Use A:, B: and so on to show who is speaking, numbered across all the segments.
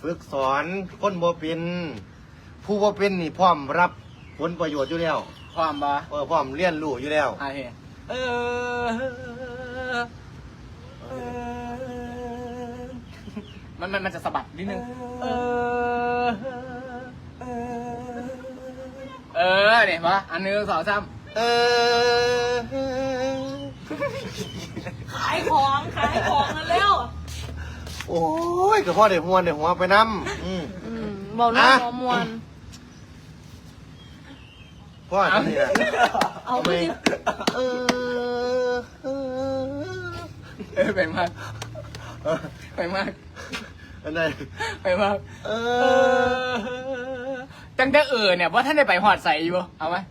A: ฝึกสอนคนบ่เป็นผู้บ่เป็นนี่พร้อมรับผลประโยชน์อยู่แล้ว
B: ความบ่
A: พร้อมเรียนรู้อยู่แล้ว
B: โอเคมันจะสะบัดนิดนึงเนี่ยปะอันนึงสองสาม
C: ขายของกันเร็ว
A: โอ้ยก็พ่อได้หัวไปน้ำ
C: บอกเรื่องหัวมวล
A: พ่อทำนี่นะ
C: เอาไป
B: ไปมากไปมาก
A: อันไหน
B: ไปมากจังแต่เนี่ยว่าท่านได้ไปหอดใส่อยู่เอาไหม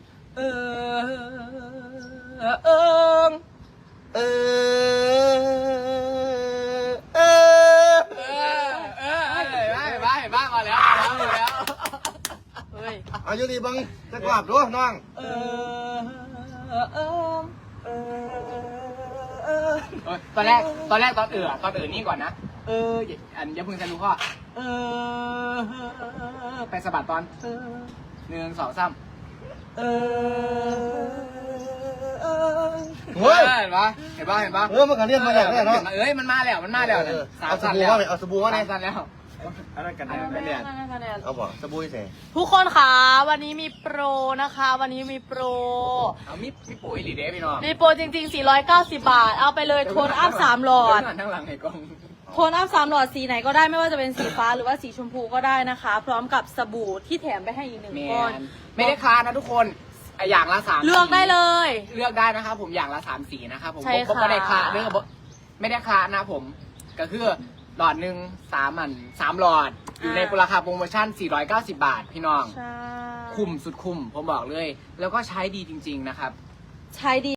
B: บ้ามาแล้ว
C: เฮ้ย
A: อายุดีบังจะกราบด้วยน้อง
B: ตอนแรกตอนนี่ก่อนนะอันอย่าเพิ่งจะรู้พ่อไปสะบัดตอน1 2 3
A: เฮ้ย
B: เห็นปะ
A: มันก็เรียนมาแล้วเนาะ
B: มันมาแล้ว
A: เอาสบู่มาเลยเอาสบู่มาเลย
B: 3 สั้นแล้วอะไรกันเนี่ย
A: เอาบ่สบู่ใส่
C: ทุกคนคะวันนี้มีโปรนะคะ วันนี้มีโปร
B: เอามีปุ๋ยหรือเด้พี่น้อง
C: มีโปรจริงๆ490 บาท เอาไปเลยโทนอัพ3หลอด
B: ทั้งหลังให้กล้อง
C: โทนอัพ3หลอดสีไหนก็ได้ไม่ว่าจะเป็นสีฟ้าหรือว่าสีชมพูก็ได้นะคะ พร้อมกับสบู่ที่แถมไปให้อีก1 ก้อน
B: ไม่ได้ค้านะทุกคนอย่างละ3
C: เลือกได้เลย
B: เลือกได้นะครับผมอย่างละ3 สีนะครับผม
C: ใช่ค่ะ
B: ไม่ได้ค้าเรื่องไม่ได้ค้านะผมก็คือหลอดหนึ่ง3 หลอดอยู่ในราคาโปรโมชั่น490 บาทพี่น้อง
C: ใช่
B: คุ้มสุดคุ้มผมบอกเลย แล้วก็ใช้ดีจริงๆนะครับ
C: ใช้ดี